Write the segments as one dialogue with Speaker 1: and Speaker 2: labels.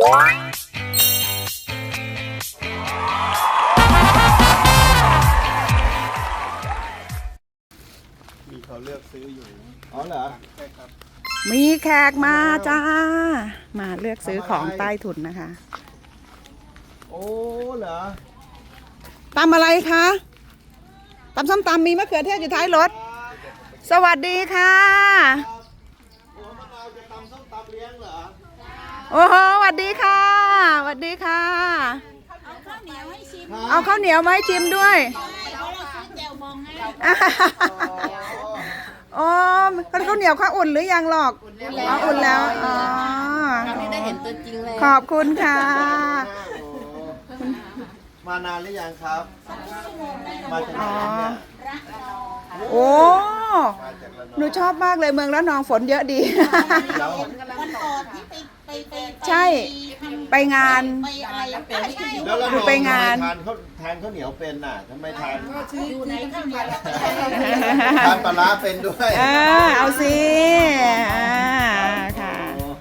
Speaker 1: มีเขาเลือกซื้ออยู่อ๋อเหรอใช่ครับ
Speaker 2: มีแขกมาจ้ามาเลือกซื้อของใต้ถุนนะคะ
Speaker 1: โอ้เหรอ
Speaker 2: ตำอะไรคะตำส้มตำมีมะเขือเทศอยู่ท้ายรถสวัสดีค่ะโอ้โหสวัสดีค่ะสวัสดีค่ะเอาข้าวเหนียวมาให้ชิมด้วยอ๋อข้าวเหนียวข้าวอุ่นหรือยังหรอกอุ่นแล้วอ๋อ
Speaker 3: ได้เห็นตัวจริงเลย
Speaker 2: ขอบคุณค่ะ
Speaker 1: มานานหรือยังครับมาจากไหนเนี่ย
Speaker 2: โอ้หนูชอบมากเลยเมืองระนองฝนเยอะดีใช่ไปงาน
Speaker 1: แล้วเรา
Speaker 2: ไปงาน
Speaker 1: ทานข้าวเหนียวเป็นน่ะทำไมทานทานปลาร้าเป็นด้วย
Speaker 2: เอาสิค่ะ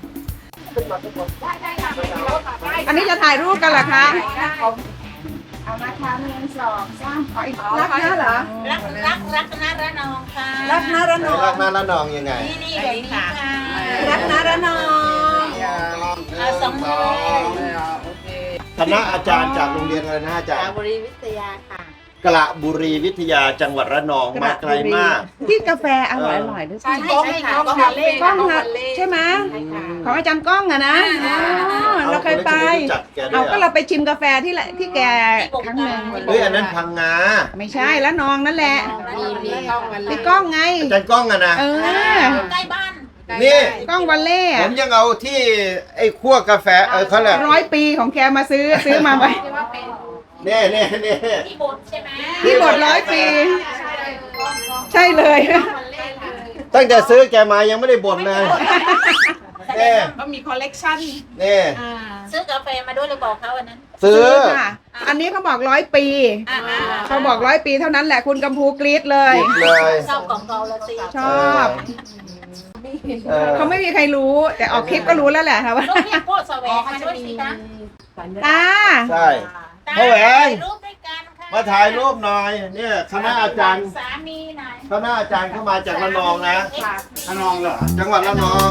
Speaker 2: อันนี้จะถ่ายรูปกันเหรอคะ
Speaker 3: เอามาทำ1 2 3
Speaker 2: รักนะเหรอ
Speaker 3: รักนะระนองค่ะ
Speaker 2: รักนะระนอง
Speaker 1: รักนะระนองยังไง
Speaker 3: นี่แบบนี้ค่ะ
Speaker 2: รักนะระนอง
Speaker 3: 2 มือ
Speaker 1: คณะอาจารย์จากโรงเรียนอะไรนะอาจารย์
Speaker 3: บุรีวิทยาค่ะ
Speaker 1: กระบุรีวิทยาจังหวัดระนองมาไกลมาก
Speaker 2: ที่กาแฟอร่อยด้วยใช่
Speaker 3: ค่ะก้อง
Speaker 2: ใช่ไหมของอาจารย์ก้องอะนะเราเคยไปเอาก็เราไปชิมกาแฟที่แกครั้งหนึ่ง
Speaker 1: อันนั้นพังงา
Speaker 2: ไม่ใช่แล้วนองนั่นแหละพี่ก้องไง
Speaker 1: อาจารย์ก้องอะนะ
Speaker 3: ใกล้บ้าน
Speaker 1: นี่
Speaker 2: ก้องวันเล่
Speaker 1: ผมยังเอาที่ไอ้คั่วกาแฟเขาแหละ
Speaker 2: 100 ปีของแกมาซื้อมาไว้
Speaker 1: เนี่ย
Speaker 3: ที่บดใช่ไหม
Speaker 2: ที่บด100 ปีใช่เลย
Speaker 1: ตั้งแต่ซื้อแกมายังไม่ได้บ่นเลยเนี่ย
Speaker 2: ก็มีคอลเลกชัน
Speaker 1: เนี่ย
Speaker 3: ซื้อกาแฟมาด้วยเลยบอกเขาวันนั้น
Speaker 1: ซื้อ
Speaker 2: ค่ะอันนี้เขาบอก100 ปีเขาบอก100 ปีเท่านั้นแหละคุณกำพูกรี๊ดเลย
Speaker 3: ชอบของเก่าละสิ
Speaker 2: ชอบเขาไม่มีใครรู้แต่ออกคลิปก็รู้แล้วแหละค่ะว่า
Speaker 3: ลูกพี่พูดแสวงมาด้วยสิคะ
Speaker 2: ตา
Speaker 1: ใช่พ่อแหวงมาถ่ายรูปหน่อยเนี่ยคณะอาจารย์
Speaker 3: สามีหน่อย
Speaker 1: คณะอาจารย์เข้ามาจากระนองนะระนองเหรอจังหวัดระนอง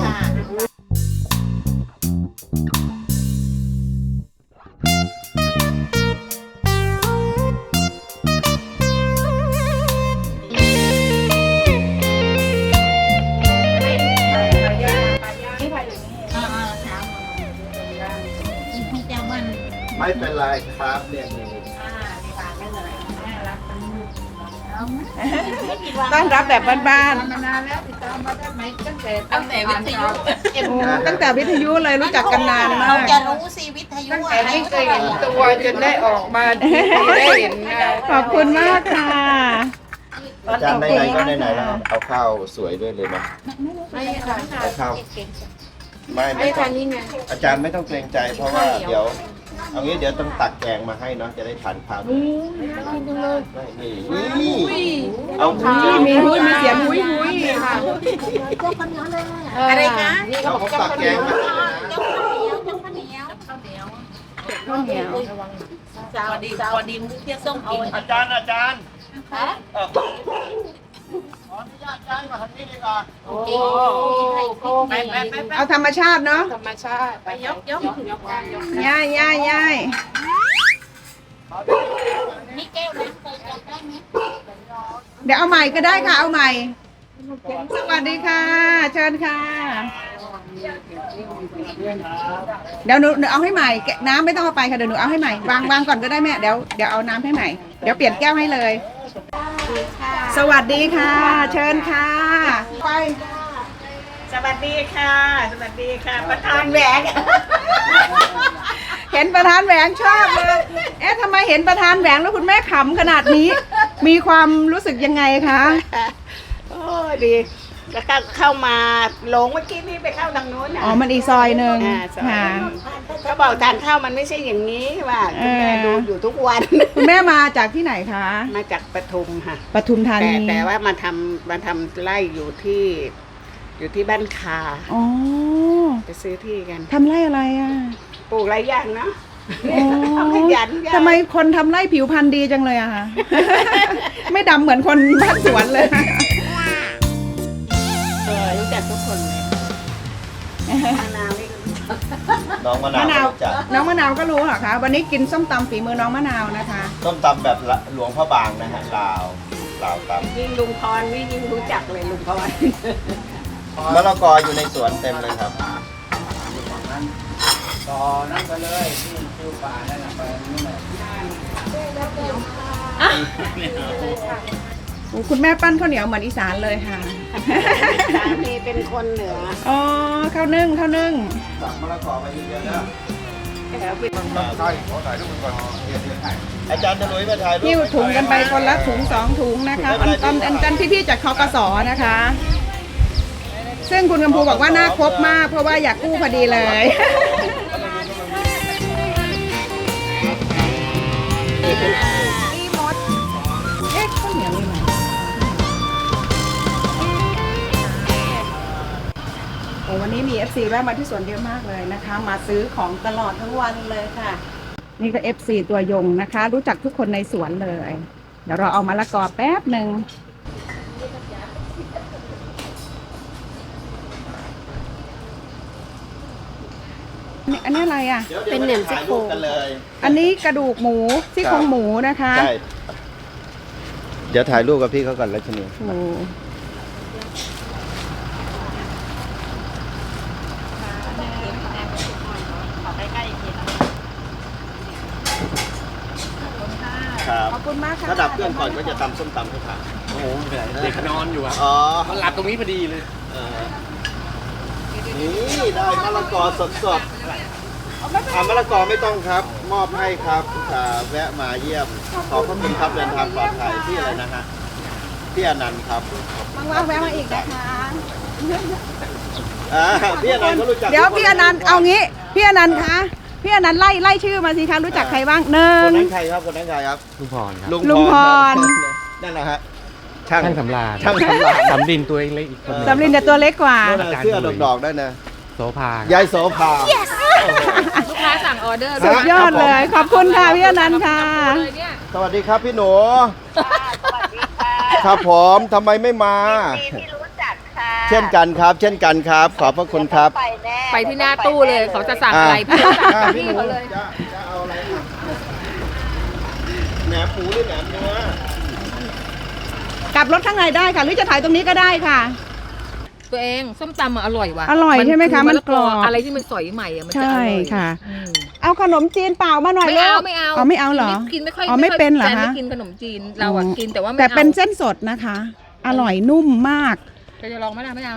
Speaker 1: ไม่เป็นไรครับเนี่ย
Speaker 2: ต้อนรับแบบบ้าน
Speaker 3: ๆมานานแล้วติดตามมาได้ไหมตั้งแต่วิทยุ
Speaker 2: ตั้งแต่วิทยุเลยรู้จักกันนานมาก
Speaker 3: เราจะรู้สิวิทยุอะไร
Speaker 4: ไม่เคยเห็นตัวจนได้ออกมาได้เห็น
Speaker 2: ขอบคุณมากค่ะ
Speaker 1: อาจารย์ไหนๆก็ไหนๆแล้วเอาข้าวสวยด้วยเลยนะ
Speaker 4: ไม่ค่ะ
Speaker 1: เอาข้าวไม่
Speaker 4: ทันนี่ไง
Speaker 1: อาจารย์ไม่ต้องเกรงใจเพราะว่าเดี๋ยวเอางี้เดี๋ยวต้องตักแกงมาให้เนาะจะได้ทานข้าวนี่เอา
Speaker 2: มีเสียงหุย
Speaker 4: ค่ะ
Speaker 3: อะไรคะ
Speaker 1: เขาตักแกงมาให้
Speaker 2: ข้าวเหนียว
Speaker 3: สวัสดีมุกเที่ยงส้มกิน
Speaker 1: อาจารย์ขออนุญาตย้ายมาทางนี้ดีกว่า
Speaker 2: เอาธรรมชาติเนาะ
Speaker 4: ธรรมชาติไปยก
Speaker 2: ย่าย
Speaker 3: นี่แก้วน้ำเคยจับได้ไหม
Speaker 2: เดี๋ยวเอาใหม่ก็ได้ค่ะเอาใหม่สวัสดีค่ะเชิญค่ะเดี๋ยวหนูเอาให้ใหม่น้ำไม่ต้องเอาไปค่ะเดี๋ยวหนูเอาให้ใหม่วางก่อนก็ได้แม่เดี๋ยวเอาน้ำให้ใหม่เดี๋ยวเปลี่ยนแก้วให้เลยสวัสดีค่ะเชิญค่ะไป
Speaker 3: สวัสดีค่ะประธานแหวง
Speaker 2: เห็นประธานแหวงชอบเลยทำไมเห็นประธานแหวงแล้วคุณแม่ขำขนาดนี้มีความรู้สึกยังไงคะ
Speaker 4: โอ้ดีแล้วก็เข้ามาหลงเมื่อกี้นี่ไปเข้าทางโน้น
Speaker 2: อ๋อมันอีกซอยหนึ่งค่ะ
Speaker 4: เขาบอกทานข้าวมันไม่ใช่อย่างนี้ว่าคุณแม่ดูอยู่ทุกวัน
Speaker 2: คุณแม่มาจากที่ไหนคะ
Speaker 4: มาจากปทุมค่ะ
Speaker 2: ปทุมธานี
Speaker 4: แต่ว่ามาทำไร่อยู่ที่บ้านคา
Speaker 2: อ๋อ
Speaker 4: ไปซื้อที่กัน
Speaker 2: ทำไร่อะไรอ่ะ
Speaker 4: ปลูกหลายอย่างนะ
Speaker 2: โอ้
Speaker 4: เอาขยันยาย
Speaker 2: ทำไมคนทำไร่ผิวพรรณดีจังเลยอะคะ ไม่ดำเหมือนคนบ้านสวนเลย
Speaker 4: รู้จักทุกคนเลยมะนาวนี่
Speaker 1: น้องมะ
Speaker 2: มะ
Speaker 1: นาน
Speaker 2: าว
Speaker 1: วจ้ะ
Speaker 2: น้องมะนาวก็รู้เหรอคะ วันนี้กินส้มตำฝีมือน้องมะนาวนะคะ
Speaker 1: ต้มตำแบบหลวงพระบางนะฮะลาวต
Speaker 4: ยิ่งลุงพรนี่ยิ่งรู้จักเลยลุงพร
Speaker 1: ำมะละกออยู่ในสวนเต็มเลยครับ
Speaker 5: ต่อนั่นไปเลยที่ฟิวป่านั่นน่ะไปนู่นน่ะ
Speaker 2: โอ้คุณแม่ปั้นข้าวเหนียวเหมือนอีสานเลยค่ะ
Speaker 4: สามีเป็นคนเหนือ
Speaker 2: อ๋อข้าวนึ่ง
Speaker 1: สั่งมะละกอมาเยอะๆนะ
Speaker 4: แล้วเป็น
Speaker 5: ใช่ขอถ่ายรูปก่อน
Speaker 1: อาจารย์จะลุยมาถ่ายรูป
Speaker 2: หิ้วถุงกันไปคนละถุง2 ถุงนะคะอันพี่ๆจากคกสนะคะ ซึ่งคุณกำพูบอกว่าน่าครบมาก เพราะว่าอยากกู้พอดีเลยอีมดเอ๊ะข้าวเหนียวมีไหมโอ้วันนี้มี FC แวะมาที่สวนเยอะมากเลยนะคะ มาซื้อของตลอดทั้งวันเลยค่ะ นี่ก็ FC ตัวยงนะคะ รู้จักทุกคนในสวนเลย เดี๋ยวเราเอามะละกอแป๊บหนึ่งอันนี้อะไรอ่ะ
Speaker 1: เป็นเหนียมซี่โครงกันเลย
Speaker 2: อันนี้กระดูกหมูซี่โครงหมูนะคะ
Speaker 1: ใช่เดี๋ยวถ่ายรูปกับพี่เขาก่อนแล้วชนี
Speaker 2: โอ้
Speaker 1: ครับ
Speaker 2: ขอบคุณมากค่ะ
Speaker 1: ถ้าดับเครื่องก่อนก็จะตำส้มตำให้ทาน
Speaker 5: โอ้โหไม่เป็นไรเด็กนอนอยู่อ่ะ
Speaker 1: อ๋อ
Speaker 5: มันหลับตรงนี้พอดีเลย
Speaker 1: นี่ได้มะละกอสดๆมะละกอไม่ต้องครับ มอบให้ครับแวะมาเยี่ยม ขอบพระคุณครับเดินทางปลอดภัยที่อะไรนะฮะพี่อนันต์ครับ
Speaker 2: ว่างๆแวะมาอีกนะคะ
Speaker 1: พี่อนันต์ก็รู้จัก
Speaker 2: เดี๋ยวพี่อนันต์เอางี้พี่อนันต์คะพี่อนันต์ไล่ชื่อมาสิคะรู้จักใครบ้างหนึ่
Speaker 1: ค
Speaker 2: ง
Speaker 1: นนั้นใครครับคนนั้นใครครับ
Speaker 5: ลุงพรครับ
Speaker 2: ลุงพร
Speaker 1: นั่นแหละฮะ
Speaker 5: ช่างสำราญ
Speaker 1: ช่างสำราญ
Speaker 5: สำดินตัวเล็กอีกคนหนึง
Speaker 2: สำลินแต่ตัวเล็กกว่า
Speaker 1: นั่นน่ะเสื้อดอกๆได้นะ
Speaker 5: โสภา
Speaker 1: ยายโสภา
Speaker 3: ลูกค้าสั่งออเดอร์
Speaker 2: สุดยอดเลย ขอบคุณค่ะพี่อนันต์ค่ะ
Speaker 3: เลยเนี่ย
Speaker 1: สวัสดีครับพี่หนูครับผมทำไมไม่มา
Speaker 6: ที่รู้จักค่ะ
Speaker 1: เช่นกันครับ เช่นกันครับ ขอบพระคุณครับ
Speaker 6: ไปแน่
Speaker 3: ไปที่หน้าตู้เลยเขาจะสั่งอะไรพี่สั่งพี่เขาเลย
Speaker 1: จะเอาอะไรอ่ะแหนมปูหรือแหนมเนื้อก
Speaker 2: ลับรถข้างในได้ค่ะหรือจะถ่ายตรงนี้ก็ได้ค่ะ
Speaker 3: ตัวเองส้มตำอร่อยว่ะ
Speaker 2: อร่อยใช่ไหมคะมันกรอบ
Speaker 3: อะไรที่มันสอยใหม่อะมันจะอ
Speaker 2: ใช่
Speaker 3: ร่อย
Speaker 2: ค่ะ
Speaker 3: อืม
Speaker 2: เอาขนมจีนเปล่ามาหน่อย
Speaker 3: ไม่
Speaker 2: ลู
Speaker 3: เอา
Speaker 2: ก
Speaker 3: ไม่เอา
Speaker 2: อ๋อไม่เอาเหรอ
Speaker 3: กินไม่ค่อย
Speaker 2: อ๋อไม่เป็นเหรอ
Speaker 3: แฟน
Speaker 2: คะ
Speaker 3: ไม่กินขนมจีนเราอะกินแต่ว่าไม่
Speaker 2: แต่
Speaker 3: เอา
Speaker 2: เป็นเส้นสดนะคะ อร่อยนุ่มมาก
Speaker 3: จะลองไหมล่ะไม่เอา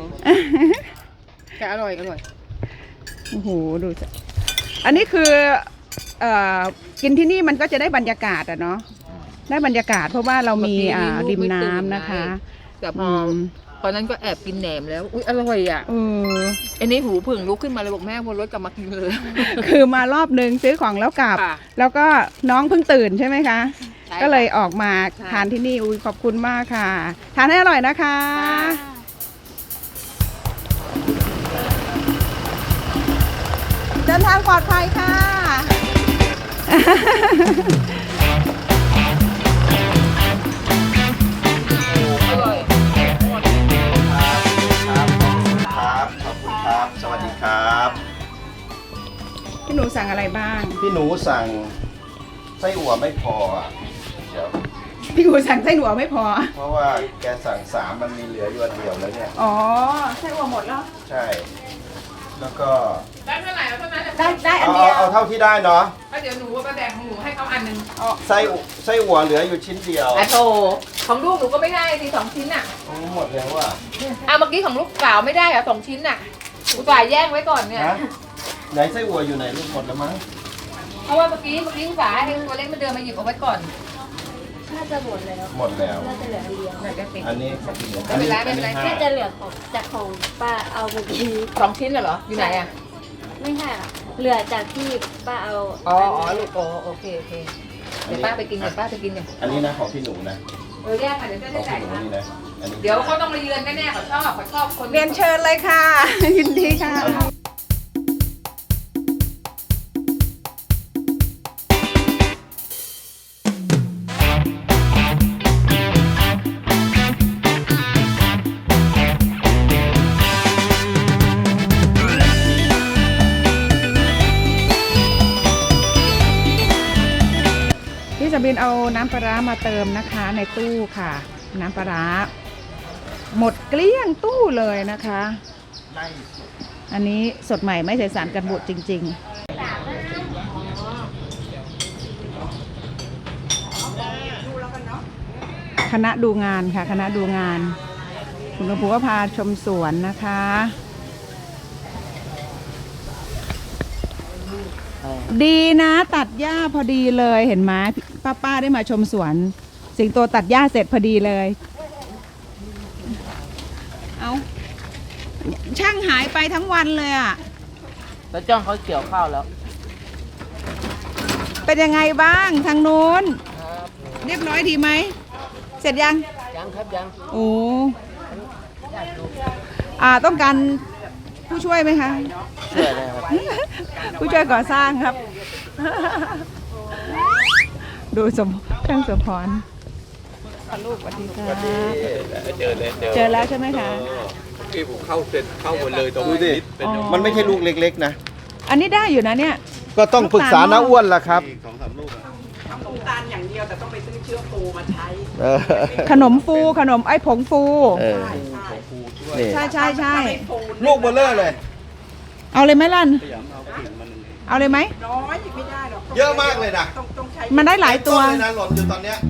Speaker 3: แต่อร่อย
Speaker 2: โอ้โหดูสิอันนี้คือกินที่นี่มันก็จะได้บรรยากาศอะเนาะได้บรรยากาศเพราะว่าเรามีริมน้ำนะคะ
Speaker 3: แต่พอตอนนั้นก็แอบกินแหนมแล้วอุ้ยอร่อยอ่ะ
Speaker 2: เออ
Speaker 3: อันนี้หูผึ่งลุกขึ้นมาเลยบอกแม่วนรถกลับมากินเลย
Speaker 2: คือมารอบนึงซื้อของแล้วกลับ
Speaker 3: ค่ะ
Speaker 2: แล้วก็น้องเพิ่งตื่นใช่ไหมคะ
Speaker 3: ใช่ค่ะ
Speaker 2: ก็เลยออกมา
Speaker 3: ใช่
Speaker 2: ทานที่นี่อุ้ยขอบคุณมากค่ะ ทานให้อร่อยนะคะ เดินทางปลอดภัยค่ะ
Speaker 3: อร่อย
Speaker 1: ครับขอบคุณครับ สวัสดีครับ
Speaker 2: พี่หนูสั่งอะไรบ้าง
Speaker 1: พี่หนูสั่งไส้อั่วไม่พออ่ะเดี๋ยว
Speaker 2: พี่หนูสั่งไส้หนูไม่พอ
Speaker 1: เพราะว่าแกสั่ง3มันมีเหลืออยู่อันเดียวแล้วเนี่ย
Speaker 2: อ๋อไส้หัวหมดแล้ว
Speaker 1: ใช่ แล้วก็
Speaker 3: ได้เท่าไหร่เอาเท่านั้น
Speaker 2: ได้อัน
Speaker 1: เอา
Speaker 2: เดียว
Speaker 1: เอาเท่าที่ได้เนาะ
Speaker 3: ก็เดี๋ยวหนูไปแบ่งของหนูให้เขาอันหนึง
Speaker 1: ไส้อั่วเหลืออยู่ชิ้นเดียว
Speaker 3: อ่ะโตของลูกหนูก็ไม่ได้ที2 ชิ้นอ่ะ
Speaker 1: โอ้หมดแล้วอ่ะ
Speaker 3: เมื่อกี้ของลูกสาวไม่ได้อ่ะ2 ชิ้นอ่ะอุตส่าห์แย่งไว้ก่อนเนี่ย
Speaker 1: นะไหนไส้อั่วอยู่ไหนลูกหมดแล้วมั้ง
Speaker 3: เพราะว่าเมื่อกี้อุตส่าห์ให้ตัวเล็กมาเดินมาหยิบเอาไว้ก่อน
Speaker 6: น่าจะหมดแล้ว
Speaker 1: หมดแล้ว
Speaker 6: น่าจะเหลืออันเดียว
Speaker 3: ไหนจะติด
Speaker 1: อันนี้
Speaker 3: ไม่เป็นไรไม่เป็นไร
Speaker 6: น่าจะเหลือของจากของป้าเอาเมื่อกี้
Speaker 3: 2 ชิ้นเหรออยู่ไหนอ่ะ
Speaker 6: ไม่ใช่อ่ะเหลือจากที่ป้าเอา
Speaker 3: อ๋อลูกโอเคเดี๋ยวป้าไปกินเนี่ย
Speaker 1: อันนี้นะของพี่หนูนะ
Speaker 3: แยกค่ะเดี๋ยวจะ
Speaker 1: ขอ
Speaker 3: ได้
Speaker 1: ง
Speaker 3: จ่าย
Speaker 1: พี่หนู
Speaker 3: นะ
Speaker 1: นี่นะอันนี้
Speaker 3: เดี๋ยวเขาต้องมาเยือนแน่ๆเขาชอบคน
Speaker 2: เรียนเชิญเลยค่ะ ยินดีค่ะสบินเอาน้ำปลาร้ามาเติมนะคะในตู้ค่ะ น้ำปลาร้าหมดเกลี้ยงตู้เลยนะคะ อันนี้สดใหม่ไม่ใส่สารกันบูดจริงๆคณะดูงานค่ะคณะดูงานคุณครูก็พาชมสวนนะคะดีนะตัดหญ้าพอดีเลยเห็นไหมป้าได้มาชมสวนสิงโตตัดหญ้าเสร็จพอดีเลยเอาช่างหายไปทั้งวันเลยอ่ะ
Speaker 5: แล้วจ้องเขาเกี่ยวข้าวแล้ว
Speaker 2: เป็นยังไงบ้างทางนู้นเรียบร้อยดีไหมเสร็จยัง
Speaker 5: ยังครับยัง
Speaker 2: โอ้ต้องการผู้ช่วยไหมคะ
Speaker 5: ช่วยเลยครับ
Speaker 2: ผู้ช่วยก่อสร้างครับ ดูช่างสมพรลูกสวัสดีค่ะเจอแล้วใช่ไหมคะ
Speaker 7: ที่ผมเข้าเซ็นเข้าหมดเลยตรง
Speaker 1: ดู
Speaker 7: นี้
Speaker 1: ดิ
Speaker 7: เป็น
Speaker 1: มันไม่ใช่ลูกเล็กๆนะ
Speaker 2: อันนี้ได้อยู่นะเนี่ย
Speaker 1: ก็ต้องปรึกษาน้าอ้วนล่ะครับ
Speaker 3: น้ำตาลอย่างเดียวแต่ต้องไปซื้อเชื้อปูมาใช้
Speaker 2: ขนมฟูขนมไอ้ผงฟู
Speaker 1: นี่
Speaker 2: ใช่ใช่ใช่
Speaker 1: ลูกเบลเลอร์เลย
Speaker 2: เอาเลยไหมล่ะเอาเลยไหม
Speaker 3: น้อยไม่ได้หรอก
Speaker 1: เยอะมากเลยนะ
Speaker 3: ต้องใช้
Speaker 2: มันได้หลายตัว
Speaker 1: ต้นเลยนะหล่นอยู่ตอนเนี้ย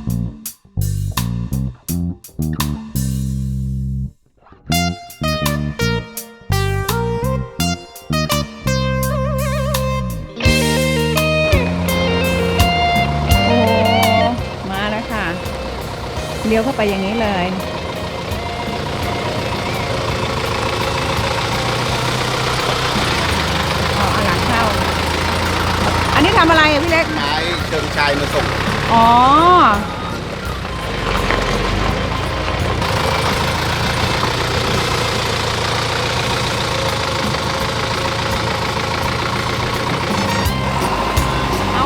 Speaker 2: โอ้มาแล้วค่ะเลี้ยวเข้าไปอย่างนี้เลยเอาหลังเข้า อันนี้ทำอะไรอ่ะพี่เล็ก
Speaker 1: ไม้เชิงชายมาส่ง
Speaker 2: อ๋อ เอา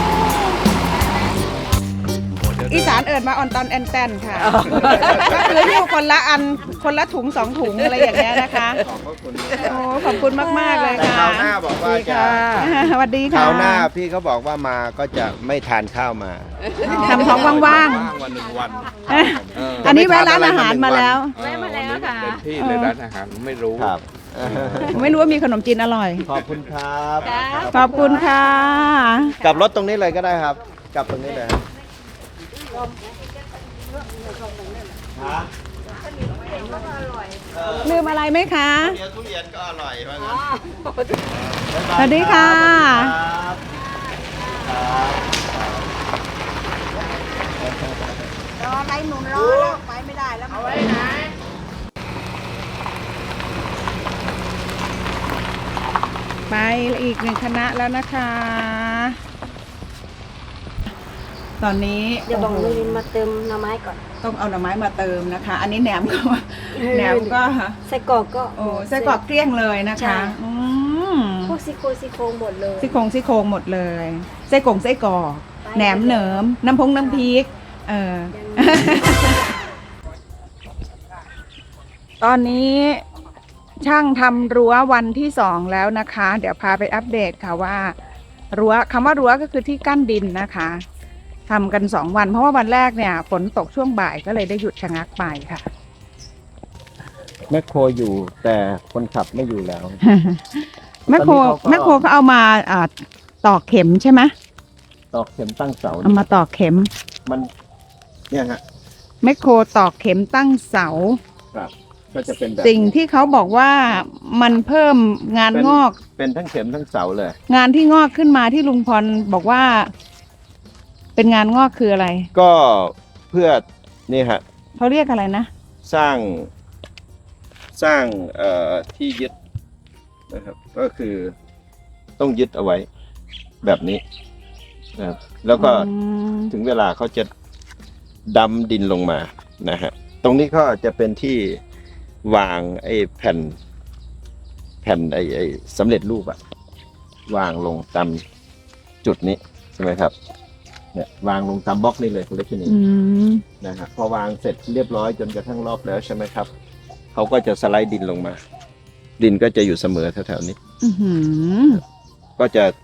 Speaker 2: อีสานเอิดมาออนตอนแอนแตนค่ะ ก็คือหิ้วคนละอัน คนละถุง2 ถุงอะไรอย่างเงี้ยนะคะ โอ้ขอบคุณมากๆเลย
Speaker 1: แต่
Speaker 2: ค่ะ
Speaker 1: คราวหน้าบอกว่าจะ
Speaker 2: สวัสดี
Speaker 1: ค
Speaker 2: ค่ะ
Speaker 1: ราวหน้าพี่เขาบอกว่ามาก็จะไม่ทานข้าวมา
Speaker 2: ทำท้องว่าง
Speaker 7: ว่างวันหนึ่งวัน
Speaker 2: ๆ อันนี้แวะร้านอาหารมาแล้ว
Speaker 6: แวะมาแล้วค่ะ
Speaker 7: เต็มที่เลยร้านอาหารไม่รู้
Speaker 1: ครับ
Speaker 2: ไม่รู้ว่ามีขนมจีนอร่อย
Speaker 1: ขอบคุณครับ
Speaker 2: ขอบคุณค่ะ
Speaker 1: กลับรถตรงนี้เลยก็ได้ครับ กลับตรงนี้เลยฮะ
Speaker 2: ลืมอะไรไหมคะ
Speaker 1: เดี๋ยวทุเรียนก็อร่อยว่างั้น
Speaker 2: สวัสดีค่ะ
Speaker 1: ครับครับ
Speaker 3: รออะไรหนุนรอแล้วไปไม่ได้แล้วเอาไว้ไหน
Speaker 2: ไปอีก1 คณะแล้วนะคะ ตอนนี้
Speaker 6: เดี๋ยวบอกลุงลินมาเติมหน่อไม้ก่อน
Speaker 2: ต้องเอาหน่อไม้มาเติมนะคะ อันนี้แหนมก็แหนมก็
Speaker 6: ไส้กรอกก็
Speaker 2: โอ้ไส้กรอกเกลี้ยงเลยนะ
Speaker 6: ใช่
Speaker 2: คะ
Speaker 6: พวกซี่โครงหมดเลย
Speaker 2: ซี่โครงหมดเลยไส้กรอกแหนมเหนิมน้ำพริกตอนนี้ช่างทำรั้ววันที่2แล้วนะคะ เดี๋ยวพาไปอัปเดตค่ะว่ารั้วคำว่ารั้วก็คือที่กั้นดินนะคะทำกัน2 วันเพราะว่าวันแรกเนี่ยฝนตกช่วงบ่ายก็เลยได้หยุดชะงักไปค่ะ
Speaker 1: แมคโครอยู่แต่คนขับไม่อยู่แล้ว
Speaker 2: แม่โคเขาเอามาตอกเข็มใช่ไหม
Speaker 1: ตอกเข็มตั้งเสา
Speaker 2: เอามาตอกเข็ม
Speaker 1: มันเนี่ยฮะ
Speaker 2: แมคโครตอกเข็มตั้งเสา
Speaker 1: ครับก็จะเป็นแบบ
Speaker 2: สิ่งที่เขาบอกว่ามันเพิ่มงานงอก
Speaker 1: เป็นทั้งเข็มทั้งเสาเลย
Speaker 2: งานที่งอกขึ้นมาที่ลุงพรบอกว่า เป็นงานงอกคืออะไร
Speaker 1: ก็เพื่อนี่ฮะ
Speaker 2: เขาเรียกอะไรนะ
Speaker 1: สร้างที่ยึดนะครับ ก็คือต้องยึดเอาไว้แบบนี้นะครับแล้วก็
Speaker 2: อืม
Speaker 1: ถึงเวลาเขาจะดำดินลงมานะฮะตรงนี้ก็จะเป็นที่วางไอ้แผ่นไอ้สำเร็จรูปอะวางลงตามจุดนี้ใช่ไหมครับเนี่ยวางลงตามบล็อกนี่เลยคุณเล็กที่นี่
Speaker 2: อืม
Speaker 1: นะฮะพอวางเสร็จเรียบร้อยจนกระทั่งรอบแล้วใช่ไหมครับเขาก็จะสไลด์ดินลงมา ดินก็จะอยู่เสมอแถวๆนี้
Speaker 2: อื้อหือ
Speaker 1: ก็จะ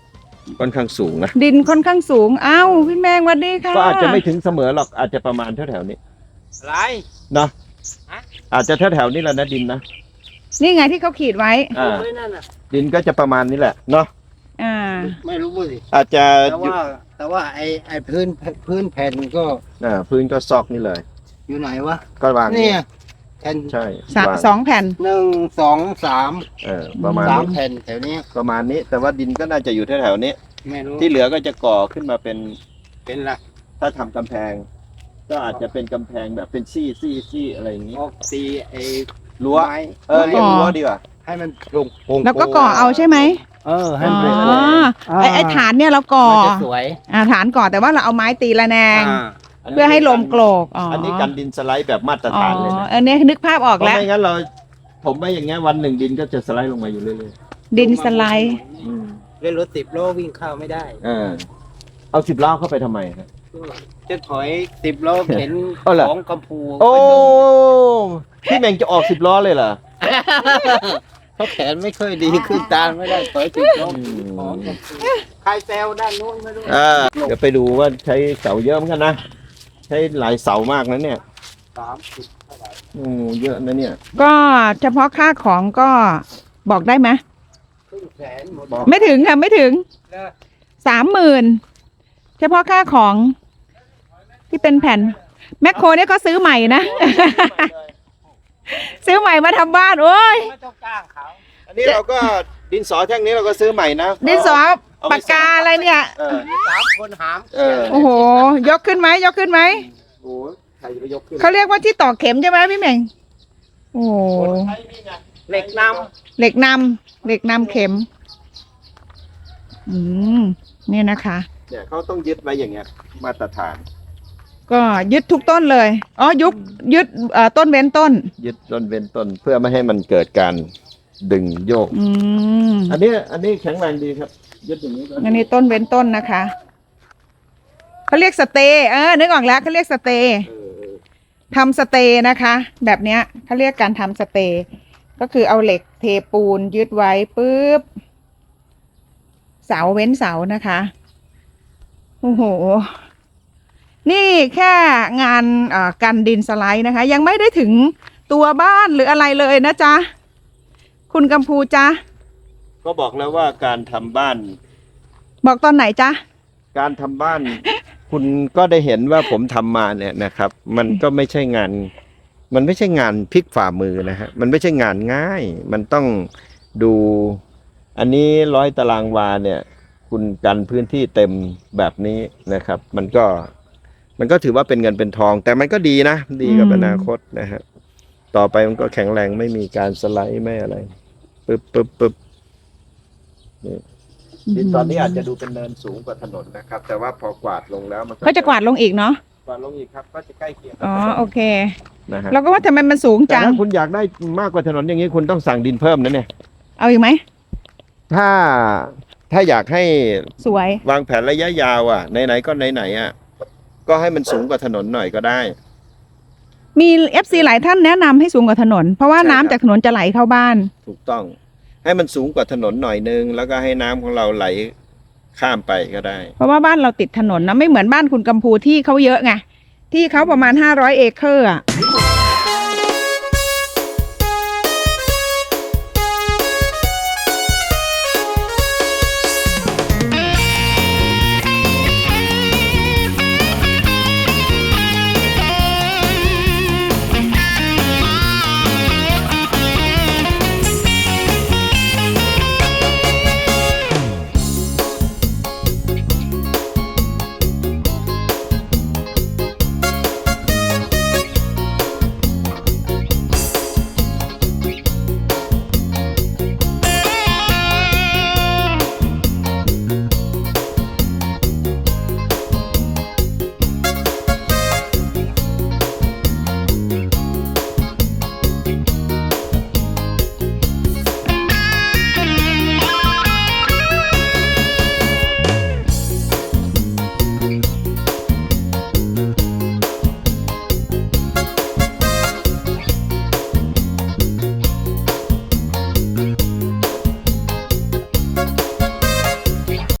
Speaker 1: ค่อนข้างสูงนะ
Speaker 2: ดินค่อนข้างสูงอ้าวพี่แมงสวัสดีค่ะ
Speaker 1: ก็อาจจะไม่ถึงเสมอหรอกอาจจะประมาณแถวๆนี้
Speaker 5: อะไร
Speaker 1: เนาะ
Speaker 5: ฮะ
Speaker 1: อาจจะแถวๆนี้แหละนะดินนะ
Speaker 2: นี่ไงที่เขาขีดไว้
Speaker 1: อ่า
Speaker 5: ไม่นั่นน่ะ
Speaker 1: ดินก็จะประมาณนี้แหละเนาะ
Speaker 2: อ่า
Speaker 5: ไม่รู้สิ
Speaker 1: อาจจะ
Speaker 5: แต่ว่าไอ้พื้นแผ่นก็
Speaker 1: พื้นก็ซอกนี่เลย
Speaker 5: อยู่ไหนวะ
Speaker 1: ก็วาง
Speaker 5: เนี่ยแผ่น
Speaker 1: ใช่
Speaker 2: ส
Speaker 1: วาง
Speaker 2: สองแผ่น
Speaker 5: 1 2 3
Speaker 1: ประมาณ
Speaker 5: 3
Speaker 1: นี้
Speaker 5: แผ่นแถวนี้
Speaker 1: ประมาณนี้ แต่ว่าดินก็น่าจะอยู่แถวๆนี้
Speaker 5: ไม่รู้
Speaker 1: ที่เหลือก็จะก่อขึ้นมาเป็น
Speaker 5: เป็นละ
Speaker 1: ถ้าทำกำแพง ก็อาจจะเป็นกำแพงแบบเป็นซี่อะไรอย่างนี้
Speaker 5: ออกตีไอ้
Speaker 1: รั้ว
Speaker 5: ไม้
Speaker 1: เรียกรั้วดีกว่า
Speaker 5: ให้มันโปร่ง
Speaker 2: แล้วก็ก่อเอาใช่ไหม
Speaker 5: ให้
Speaker 2: อ๋
Speaker 5: มันเป็น
Speaker 2: อไอฐานเนี่ยเราก่อ
Speaker 5: มันจะสวย
Speaker 2: ฐานก่อแต่ว่าเราเอาไม้ตีระแนง
Speaker 5: อ่า
Speaker 2: เพื่อให้ลมโกรกอ๋อ
Speaker 1: อั
Speaker 2: อั
Speaker 1: นนี้กันดินสไลด์แบบมาตร
Speaker 2: อ๋อ
Speaker 1: ฐานเลยนะ
Speaker 2: อันนี้นึกภาพออก
Speaker 1: เพราะ
Speaker 2: แล้ว
Speaker 1: ไม่งั้นผมไม่อย่างเงี้ยวันหนึ่งดินก็จะสไลด์ลงมาอยู่เรื่อย
Speaker 2: ดินสไลด์
Speaker 5: เล่นรถ10 โลวิ่งเข้าไม่ได้
Speaker 1: ๆเอา10 ล้อเข้าไปทำไมครับ
Speaker 5: จะถอย10 โลเข็น
Speaker 1: เอาเหรอ
Speaker 5: ของกัมพู
Speaker 1: โอ้พี่แมงจะออก10 ล้อเลยเหรอ
Speaker 5: เขาแขนไม่ค่อยดีขึ้นตามไม่ได้ถอย10 โลของกัมพูใครแซวด้านนู้นไม่รู้
Speaker 1: เดี๋ยวไปดูว่าใช้เสาเยอะเหมือนกันนะ ใช้หลายเสามากนะเนี่ย
Speaker 5: 30 เท่าไหร่
Speaker 1: เยอะนะเนี่ย
Speaker 2: ก็เฉพาะค่าของก็บอกได้ไหม
Speaker 5: ครึ่งแสนหมด
Speaker 2: ไม่ถึงค่ะไม่ถึง
Speaker 5: แล้ว
Speaker 2: 30,000เฉพาะค่าของที่เป็นแผ่นแมคโครเนี่ยก็ซื้อใหม่นะ ซื้อใหม่มาทำบ้านโอ้ย
Speaker 5: ไม่ต้องจ้างเขา
Speaker 1: อันนี้เราก็ดินสอแท่งนี้เราก็ซื้อใหม่นะ
Speaker 2: ดินสอปากกาอะไรเนี่ย
Speaker 5: 3 คนหาม
Speaker 2: โอ้โห ยกขึ้นไหมยกขึ้นไหม
Speaker 1: โอ้ใครจะไปยกขึ้น
Speaker 2: เขาเรียกว่าที่ตอกเข็มใช่ไหมพี่เหม่งโอ้โห
Speaker 5: เหล็กน
Speaker 2: เหล็กนำเข็ม เนี่ยนะคะ
Speaker 1: เนี่ยเขาต้องยึดไว้อย่างเงี้ยมาตรฐาน
Speaker 2: ก็ยึดทุกต้นเลยอ๋อยึดต้นเว้นต้น
Speaker 1: ยึดต้นเว้นต้นเพื่อไม่ให้มันเกิดการดึงโยก
Speaker 2: อืม
Speaker 1: อันนี้แข็งแรงดีครับ ยึดอย่างนี้ก็
Speaker 2: อันนี้ต้นเว้นต้นนะคะเขาเรียกสเตย์นึกออกแล้วเขาเรียกสเตย์ทำสเตย์นะคะ แบบเนี้ยเขาเรียกการทำสเตย์ก็คือเอาเหล็กเทปูนยึดไว้ปุ๊บเสาเว้นเสานะคะโอ้โหนี่แค่งานกันดินสไลด์นะคะ ยังไม่ได้ถึงตัวบ้านหรืออะไรเลยนะจ๊ะคุณกัมพูจ๊ะ
Speaker 1: ก็บอกแล้วว่าการทำบ้าน
Speaker 2: บอกตอนไหนจ๊ะ
Speaker 1: การทำบ้าน คุณก็ได้เห็นว่าผมทำมาเนี่ยนะครับ มันก็ไม่ใช่งาน มันไม่ใช่งานพลิกฝ่ามือนะฮะมันไม่ใช่งานง่าย มันต้องดู อันนี้100 ตารางวาเนี่ย คุณกันพื้นที่เต็มแบบนี้นะครับ มันก็ถือว่าเป็นเงินเป็นทอง แต่มันก็ดีนะ ดีกับอนาคตนะฮะต่อไปมันก็แข็งแรงไม่มีการสไลด์ไม่อะไรปึ๊บนี่ตอนนี้อาจจะดูเป็นเนินสูงกว่าถนนนะครับ แต่ว่าพอกวาดลงแล้วมัน
Speaker 2: ก็จะกวาดลงอีกเนาะ
Speaker 1: กวาดลงอีกครับ ก็จะใกล้เคียงกับ
Speaker 2: อ๋อ
Speaker 1: ถนน
Speaker 2: โอเค
Speaker 1: นะฮะ
Speaker 2: เราก็ว่าทำไมมันสูง
Speaker 1: แต่
Speaker 2: จัง
Speaker 1: ถ้าคุณอยากได้มากกว่าถนนอย่างนี้คุณต้องสั่งดินเพิ่มนะเนี่ย
Speaker 2: เอาอีกไหม
Speaker 1: ถ้าอยากให้
Speaker 2: สวย
Speaker 1: วางแผนระยะยาวไหนๆก็ไหนๆก็ให้มันสูงกว่าถนนหน่อยก็ได้
Speaker 2: มี FC หลายท่านแนะนำให้สูงกว่าถนน เพราะว่า
Speaker 1: ใช่ครับ
Speaker 2: น้ำจากถนนจะไหลเข้าบ้าน
Speaker 1: ถูกต้อง ให้มันสูงกว่าถนนหน่อยนึงแล้วก็ให้น้ำของเราไหลข้ามไปก็ได้
Speaker 2: เพราะว่าบ้านเราติดถนนนะไม่เหมือนบ้านคุณกัมพูที่เขาเยอะไงที่เขาประมาณ500 เอเคอร์